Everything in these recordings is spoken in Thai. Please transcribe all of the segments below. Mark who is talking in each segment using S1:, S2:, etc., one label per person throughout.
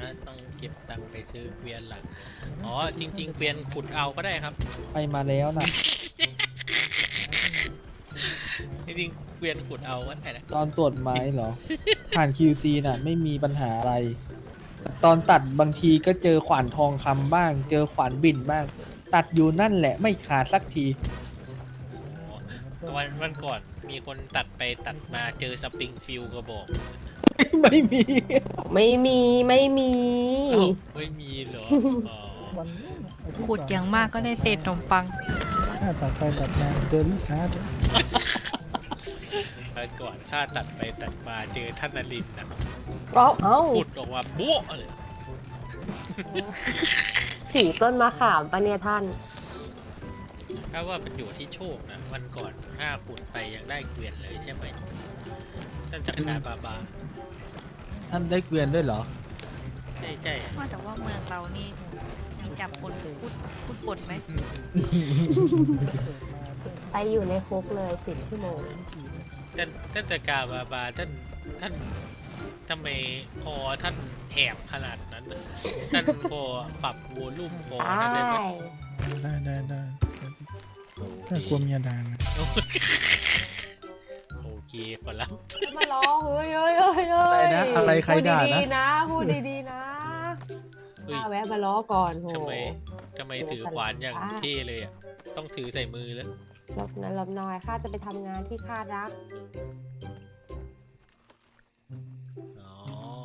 S1: ต้องเก็บตังค์ไปซื้อเกวียนหลักอ๋อจริงๆเกวียนขุดเอาก็ได้ครับ
S2: ไปมาแล้วนะ
S1: จริงๆเกวียนขุดเอาก็ได้นะ
S2: ตอนตรวจไม้เหรอ ผ่าน QC น่ะ ไม่มีปัญหาอะไร ตอนตัดบางทีก็เจอขวานทองคำบ้าง เจอขวานบิ่นบ้าง ตัดอยู่นั่นแหละไม่ขาดสักที
S1: อ๋อวันก่อนมีคนตัดไปตัดมาเจอสปริงฟิลกระบอก
S2: ไม่มี
S3: ไม่มีไม่มี
S1: เอ้าไม่มีเหรออ๋อ
S4: ขุดอย่างมากก็ได้เศษขนมปัง
S5: ถ้าตัดไปตัดมาเจอริชาร์ด
S1: วันก่อนข้าตัดไปตัดมาเจอท่านนรินทร์นะ
S3: เอ้า
S1: ขุดออกมาโบ๊ะเลย
S3: ผีต้นมะขามปะเนี่ยท่าน
S1: ถ้าว่ามันอยู่ที่โชคนะวันก่อนถ้าขุดไปยังได้เกวียนเลยใช่ไหมท่านจักรนาบาบา
S2: ท่านได้เกวียนด้วยเหรอ
S1: ใช่ใช่
S4: ว่าแต่ว่าเมืองเรานี่มีจับคนพูดปนไหม
S3: ไปอยู่ในคุกเลย10 ชั่วโมง
S1: ท่านจักรบาบาท่านทำไมคอท่านแหบขนาดนั้นน่ะท่านพอปรับวอลลุ่มคอท่านได้ไหม
S5: ได้ถ้ากลัวเมียด่านะ
S1: โอเคขอรับ
S3: มาล้อเฮ้ยเฮ้ยเฮ้ยเฮ้ย
S2: อะไรนะอะไรใครด่านะ
S3: พูดดีๆนะพูดดีๆนะ
S1: เฮ้ย
S3: ข้าแวะมาล้อก่อนโห
S1: ทำไมถือขวานอย่างเท่เลยอ่ะต้องถือใส่มือแล้ว
S3: หลบหน่อยหลบหน่อยข้าจะไปทำงานที่ข้ารัก
S1: อ๋อ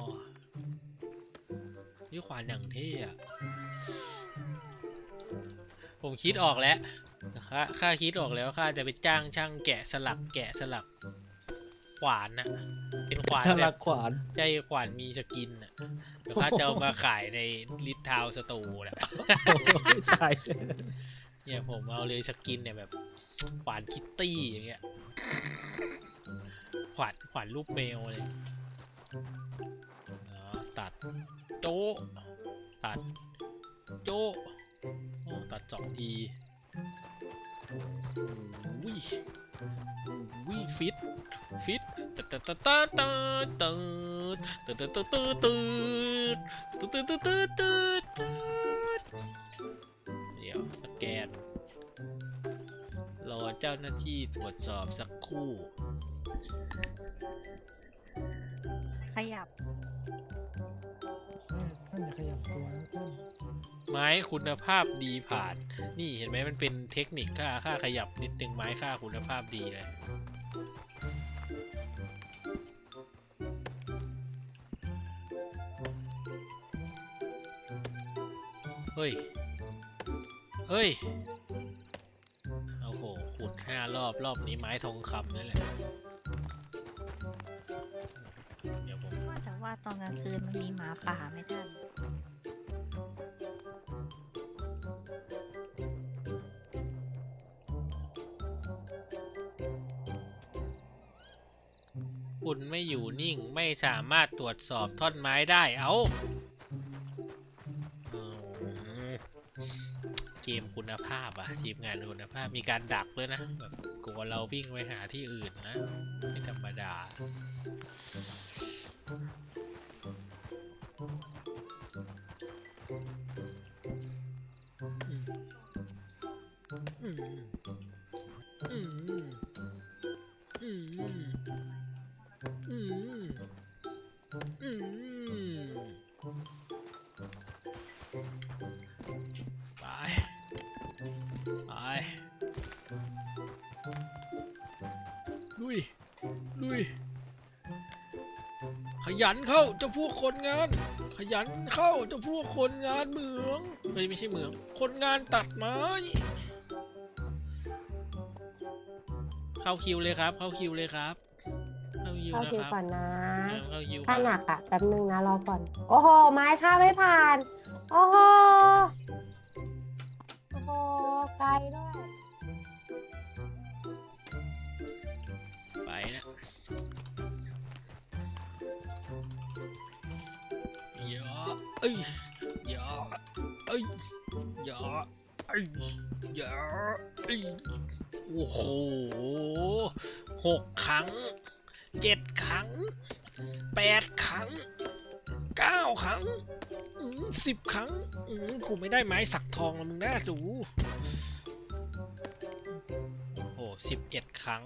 S1: นี่ขวานอย่างเท่อะผมคิดออกแล้วข้าคิดออกแล้วข้าจะไปจ้างช่างแกะสลักขวานน่ะเป็นขวาน
S2: ถ้า
S1: แบ
S2: รัก
S1: บ
S2: ขวาน
S1: ใจขวานมีสกินน่ะเดี๋ยวข้าจะเอามาขายในลิททาวสตูแหละ
S2: ใช่
S1: เนี่ยผมเอาเลยสกินเนี่ยแบบขวานคิตตี้อย่างเงี้ยขวานรูปแมวเลยอ๋อตัดโจ๊ะตัดโจ๊ะโอ้ตัด2 ทีวิฟิตตัดตัดตัดตัดตัดตัดตัดตัดตัดตัดตัดตัดตัดตัดตัดตัดตัดเดี๋ยวสแกนรอเจ้าหน้าที่ตรวจสอบสักครู่
S4: ขยับ
S5: ท่านอย่าขยับตัวนะท่าน
S1: ไม้คุณภาพดีผ่านนี่เห็นไหมมันเป็นเทคนิคค่าขยับนิดนึงไม้ค่าคุณภาพดีเลยเฮ้ยโอ้โหขุด5 รอบนี้ไม้ทองคำนั่นแหละเดี๋ยวผม
S4: ว่าแต่ว่าตอนกลางคืนมันมีหมาป่าไหมท่าน
S1: คุณไม่อยู่นิ่งไม่สามารถตรวจสอบท่อนไม้ได้เอาเกมคุณภาพอะทีมงานคุณภาพมีการดักด้วยนะแบบกลัวเราวิ่งไปหาที่อื่นนะไม่ธรรมดาอืมอืมอืมอืมอืมอืมไปลุยขยันเข้าเจ้าพวกคนงานขยันเข้าเจ้าพวกคนงานเหมืองไม่ใช่เหมืองคนงานตัดไม้เข้าคิวเลยครับเข้าคิวครับ
S3: เข้าคิวก่อนนะ
S1: เข้าคิว
S3: ถ้าหนักอ่ะแป๊บนึงนะรอก่อน โอ้โห ไม้ข้าไม่ผ่าน โอ้โห โอ้โห ไกลด้วย
S1: ไปนะอย่าเอ้ยอย่าเอ้ยอย่าเอ้ยอย่าเอ้ยโอ้โห6 ครั้ง 7 ครั้ง 8 ครั้ง 9 ครั้ง 10 ครั้งกูไม่ได้ไม้สักทองแล้วมึงน่าสูโอ้โห11 ครั้ง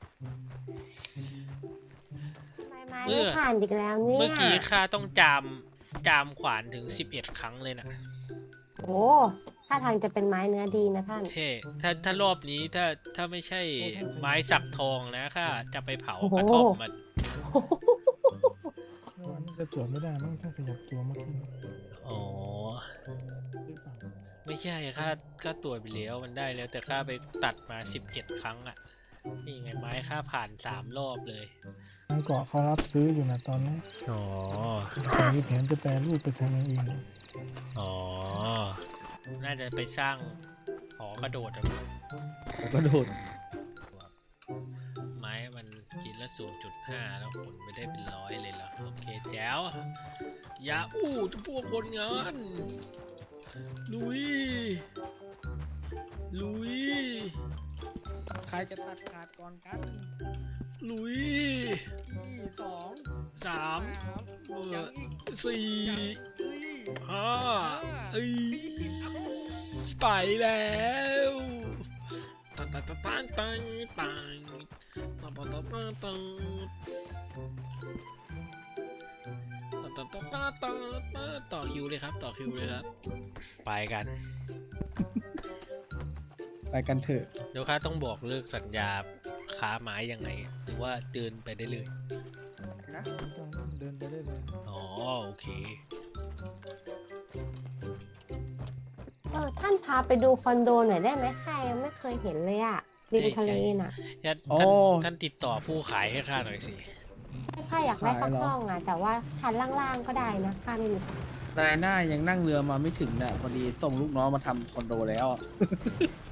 S3: ไม้ไม่ผ่านอีกแล้วเนี่ย
S1: เมื่อกี้ข้าต้องจามขวานถึง11 ครั้งเลยนะ
S3: โอ้ถ้าทางจะเป็นไม้เนื้อดีนะท่าน
S1: เท่ถ้ารอบนี้ถ้าไม่ใช่ไม้สักทองนะข้าจะไปเผากระท่อมมัน
S5: วันนี้จะตรวจไม่ได้มั้งถ้าขยับตัวมากขึ้น
S1: อ๋อ
S5: หรือเปล่า
S1: ไม่ใช่ข้าตรวจไปแล้วมันได้แล้วแต่ข้าไปตัดมา11 ครั้งอ่ะ นี่ไงไม้ข้าผ่าน3 รอบเลย
S5: ทางเกาะเขารับซื้ออยู่นะตอนนี้
S1: อ๋อ
S5: แต่มีแผนจะแปรรูปไปทำอย่างอื่น
S1: อ๋อ น่าจะไปสร้างหอกระโดดอะ
S2: แล้วก็โดด
S1: ไม้มันกินละ 0.5 แล้วผลไม่ได้เป็น100เลยเหรอ โอเคแจ๋วอย่าอู้ทุกพวกคนงานลุย ลุย
S2: ใครจะตัดขาดก่อนกัน
S1: ลุย
S2: ที่สอง
S1: 3
S2: สาม
S1: 4 5ไปแล้วตันตันตันตันตันตันตันตันตันตันตันตันตันตันตันตันตันตันต่อคิวเลยครับต่อคิวเลยครับไปกัน
S2: ไปกันเถอะ
S1: เดี๋ยวข้าต้องบอกเลิกสัญญาค้าไม้ยังไงหรือว่าเดินไปได้เลย
S5: ต้องเดินไปได้เลย
S1: อ๋อโอเค
S3: ท่านพาไปดูคอนโดหน่อยได้ไหมข้ายังไม่เคยเห็นเลยอะริมทะเลน่ะ
S1: ท่านติดต่อผู้ขายให้ข้าหน่อยสิ
S3: ข้าอยากได้สักห้องอะแต่ว่าชั้นล่างๆก็ได้นะข้าไม่มี
S2: นายหน้ายังนั่งเรือมาไม่ถึงน่ะพอดีส่งลูกน้องมาทำคอนโดแล้วอะ